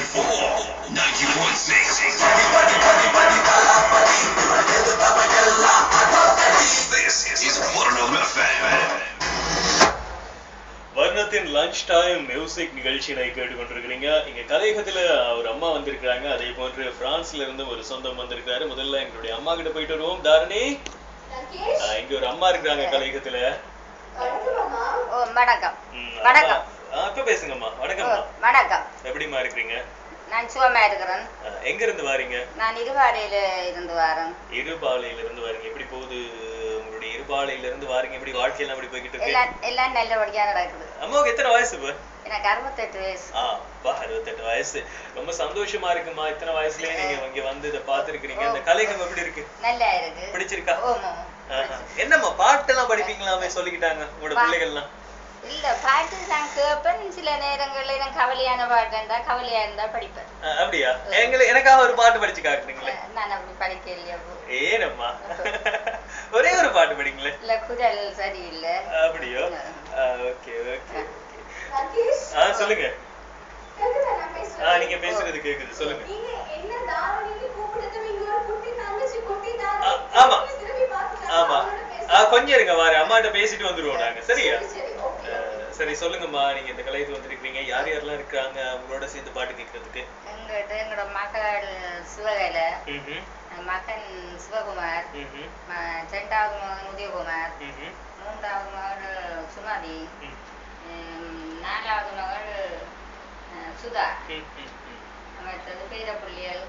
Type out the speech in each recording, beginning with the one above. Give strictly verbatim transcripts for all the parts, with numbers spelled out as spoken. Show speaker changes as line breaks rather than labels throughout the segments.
வர்ணத்தின் lunch time music நிகழ்ச்சியை கேட்டுக்கொண்டிருக்கிறீங்க. இங்க கலையகத்துல ஒரு அம்மா வந்திருக்காங்க. அதே போன்று பிரான்ஸ்ல இருந்து ஒரு சொந்தம் வந்திருக்காரு. முதல்ல எங்களுடைய அம்மா கிட்ட போயிட்டு வருவோம். தாரணி, இங்க ஒரு அம்மா இருக்காங்க கலையகத்துல.
வணக்கம். வணக்கம்.
இப்ப பேசுங்கம்மா. வணக்கம்மா.
வணக்கம்.
எப்படிமா இருக்கீங்க?
நான் சுகமா இருக்கிறேன்.
எங்க இருந்து வாரீங்க?
நான் இருபாலையில இருந்து வரேன்.
இருபாலையில இருந்து வரீங்க. எப்படி போகுது உங்களுடைய இருபாலையில இருந்து வாரீங்க? எப்படி வாழ்க்கையெல்லாம் எப்படி போய்கிட்டு இருக்கு?
எல்லாம் எல்லாம் நல்லபடியா நடக்குது.
அம்மாவுக்கு எத்தனை வயசு இப்ப?
எனக்கு அறுபத்தெட்டு வயசு.
ஆ பா அறுபத்தெட்டு வயசு. ரொம்ப சந்தோஷமா இருக்குமா? இத்தனை வயசுலயே நீங்க இங்க வந்து இதை பாத்துருக்கீங்க. இந்த கலைகம் எப்படி இருக்கு?
நல்லா இருக்கு.
பிடிச்சிருக்கா?
என்னம்மா
பாட்டெல்லாம் படிப்பீங்களாமே சொல்லிக்கிட்டாங்க உங்களோட பிள்ளைகள்லாம்?
இல்ல, பாட்டு நான் கேட்பேன். சில நேரங்கள்ல எனக்கு கவலையான பாட்டு இருந்தா கவலையா இருந்தா படிப்பேன்.
அப்படியா? எங்களுக்கு எனக்காக ஒரு பாட்டு படிச்சு காட்டுறீங்களே?
நான் அப்படி படிக்க இல்லையா?
ஏனம்மா ஒரே ஒரு பாட்டு படிங்களே?
இல்ல, குரல் சரியில்லை.
அப்படியோ? Okay okay. ஆ சொல்லுங்க. ஆ நீங்க பேசுறது கேக்குது, சொல்லுங்க. ஆமா ஆமா கொஞ்சம் இருங்க, வாரு அம்மாட்ட பேசிட்டு வந்துருவோம் நாங்க. சரியா? சரி சொல்லுங்கம்மா. நீங்க இந்த கலையத்துக்கு வந்திருக்கீங்க. யார் யாரெல்லாம் இருக்காங்க அவங்களோட சேர்ந்து பாட்டு கேட்கறதுக்கு?
எங்கிட்ட எங்களோட மகள் சிவகலை, மகன் சிவகுமார், இரண்டாவது மகன் உதயகுமார், மூன்றாவது மகள் சுமதி, நாலாவது மகள் சுதா, மற்றது பேரப்புள்ளியல்.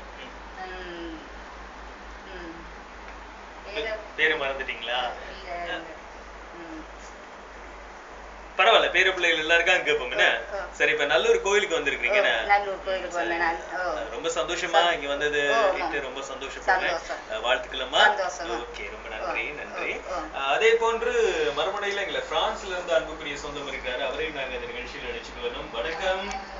பேரு மறந்துட்டீங்களா? பரவாயில்ல, பேரு பிள்ளைகள் எல்லாருக்கும் அங்க கேட்போம். சரி, இப்ப நல்லூர் கோயிலுக்கு வந்திருக்கீங்க. ரொம்ப சந்தோஷமா இங்க வந்தது. ரொம்ப சந்தோஷப்படுறேன். வாழ்த்துக்கள்மா. ஓகே, ரொம்ப நன்றி நன்றி. அதே போன்று மறுமுனையில எங்களை பிரான்ஸ்ல இருந்து அன்புக்குரிய சொந்தம் இருக்காரு. அவரையும் நாங்க இந்த நிகழ்ச்சியில் நினைச்சுட்டு வரணும். வணக்கம்.